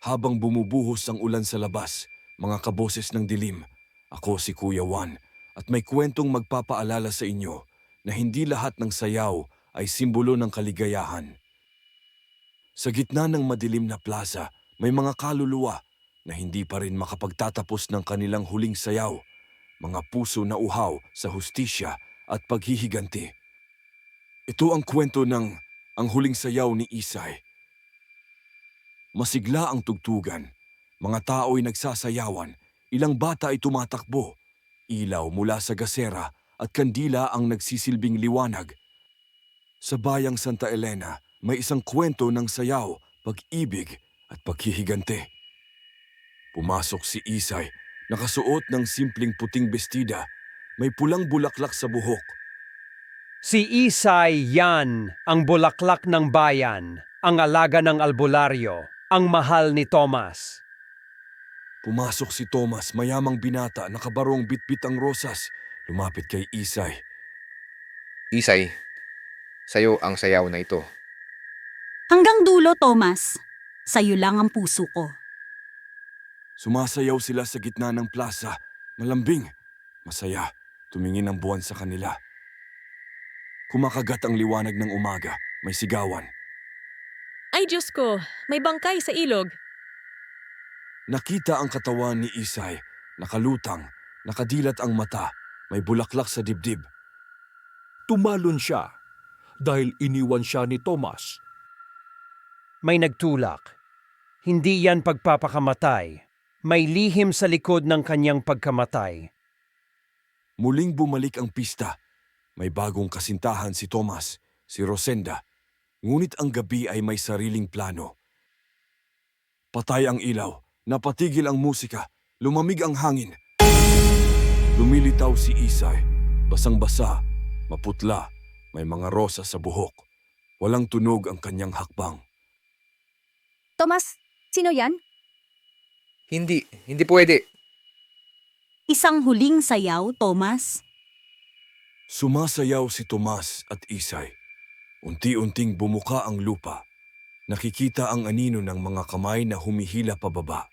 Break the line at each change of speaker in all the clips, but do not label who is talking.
Habang bumubuhos ang ulan sa labas, mga kaboses ng dilim, ako si Kuya Juan at may kwentong magpapaalala sa inyo na hindi lahat ng sayaw ay simbolo ng kaligayahan. Sa gitna ng madilim na plaza, may mga kaluluwa na hindi pa rin makapagtatapos ng kanilang huling sayaw, mga puso na uhaw sa hustisya at paghihiganti. Ito ang kwento ng Ang Huling Sayaw ni Isay. Masigla ang tugtugan. Mga tao'y nagsasayawan, ilang bata ay tumatakbo. Ilaw mula sa gasera at kandila ang nagsisilbing liwanag. Sa bayang Santa Elena, may isang kwento ng sayaw, pag-ibig at paghihigante. Pumasok si Isay, nakasuot ng simpleng puting bestida, may pulang bulaklak sa buhok.
Si Isay yan, ang bulaklak ng bayan, ang alaga ng albularyo, ang mahal ni Tomas.
Pumasok si Tomas, mayamang binata, nakabarong bitbit ang rosas. Lumapit kay Isay.
Isay, sayo ang sayaw na ito.
Hanggang dulo, Thomas. Sa'yo lang ang puso ko.
Sumasayaw sila sa gitna ng plaza. Malambing, masaya, tumingin ang buwan sa kanila. Kumakagat ang liwanag ng umaga, may sigawan.
Ay Diyos ko, may bangkay sa ilog.
Nakita ang katawan ni Isay, nakalutang, nakadilat ang mata, may bulaklak sa dibdib.
Tumalon siya dahil iniwan siya ni Tomas.
May nagtulak. Hindi yan pagpapakamatay. May lihim sa likod ng kanyang pagkamatay.
Muling bumalik ang pista. May bagong kasintahan si Tomas, si Rosenda. Ngunit ang gabi ay may sariling plano. Patay ang ilaw, napatigil ang musika, lumamig ang hangin. Lumilitaw si Isay, basang-basa, maputla, may mga rosa sa buhok. Walang tunog ang kanyang hakbang.
Tomas, sino yan?
Hindi pwede.
Isang huling sayaw, Thomas.
Sumasayaw si Tomas at Isay. Unti-unting bumuka ang lupa. Nakikita ang anino ng mga kamay na humihila pababa.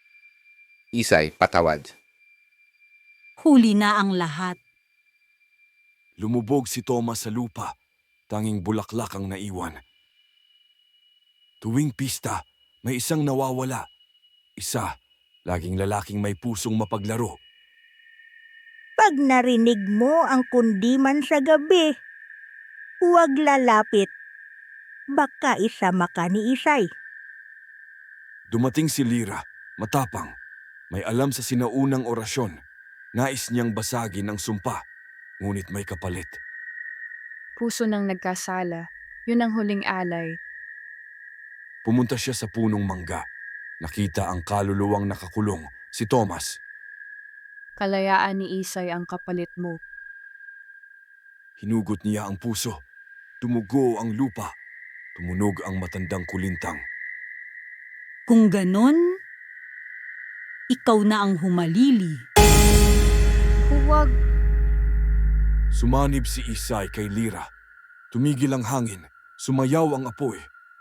Isay, patawad.
Huli na ang lahat.
Lumubog si Tomas sa lupa. Tanging bulaklak ang naiwan. Tuwing pista, may isang nawawala. Isa, laging lalaking may pusong mapaglaro.
Pag narinig mo ang kundiman sa gabi, huwag lalapit. Baka isama ka ni Isay.
Dumating si Lira, matapang. May alam sa sinaunang orasyon. Nais niyang basagin ang sumpa, ngunit may kapalit.
Puso ng nagkasala, yun ang huling alay.
Pumunta siya sa punong mangga. Nakita ang kaluluwang nakakulong, si Tomas.
Kalayaan ni Isay ang kapalit mo.
Hinugot niya ang puso. Tumugo ang lupa. Tumunog ang matandang kulintang.
Kung ganon, ikaw na ang humalili.
Huwag.
Sumanib si Isay kay Lira. Tumigil ang hangin. Sumayaw ang apoy.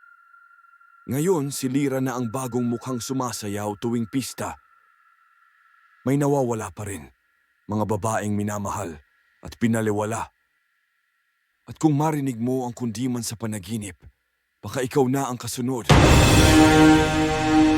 Ngayon, si Lira na ang bagong mukhang sumasayaw tuwing pista. May nawawala pa rin. Mga babaeng minamahal at pinaliwala. At kung marinig mo ang kundiman sa panaginip, baka ikaw na ang kasunod.